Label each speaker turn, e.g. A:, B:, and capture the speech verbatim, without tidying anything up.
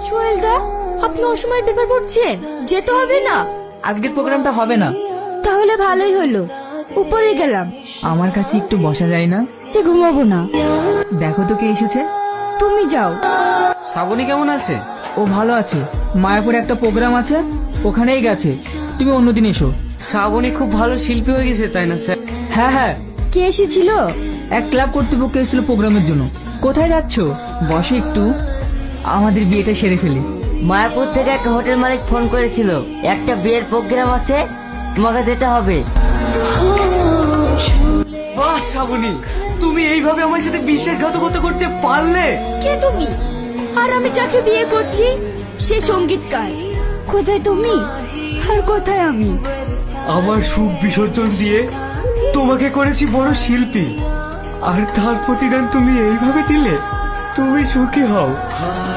A: সোহেল দা, আপনি অসময় পেপার পড়ছেন, যেতে হবে না?
B: আজকের প্রোগ্রামটা হবে না।
A: তাহলে ভালোই হলো, উপরে গেলাম।
B: আমার কাছে একটু বসা যায় না?
A: যে ঘুমাবো না।
B: দেখো তো কে এসেছে।
A: তুমি যাও।
C: শ্রাবণী কেমন আছে?
B: ও ভালো আছে, মায়াপুরে একটা প্রোগ্রাম আছে, ওখানেই গেছে। তুমি অন্যদিন এসো।
C: শ্রাবণী খুব ভালো শিল্পী হয়ে গেছে, তাই না স্যার?
B: হ্যাঁ হ্যাঁ,
A: কে এসেছিল?
B: এক ক্লাব কর্তৃপক্ষ এসেছিল প্রোগ্রামের জন্য। কোথায় যাচ্ছ? বসে একটু, আমাদের বিয়েটা সেরে ফেলি।
D: মায়াপুর থেকে একটা হোটেল মালিক ফোন করেছিল, একটা বিয়ের প্রোগ্রাম আছে, তোমাকে যেতে হবে।
C: বাহ শ্রাবণী, তুমি এইভাবে আমার সাথে বিশ্বাসঘাতকতা করতে পারলে?
A: কে তুমি? আর আমি যাকে বিয়ে করছি সে সঙ্গীতকার। কোথায় তুমি আর কোথায় আমি?
C: আমার সুখ বিসর্জন দিয়ে তোমাকে করেছি বড় শিল্পী, আর তার প্রতিদান তুমি এইভাবে দিলে? তুমি সুখী হও।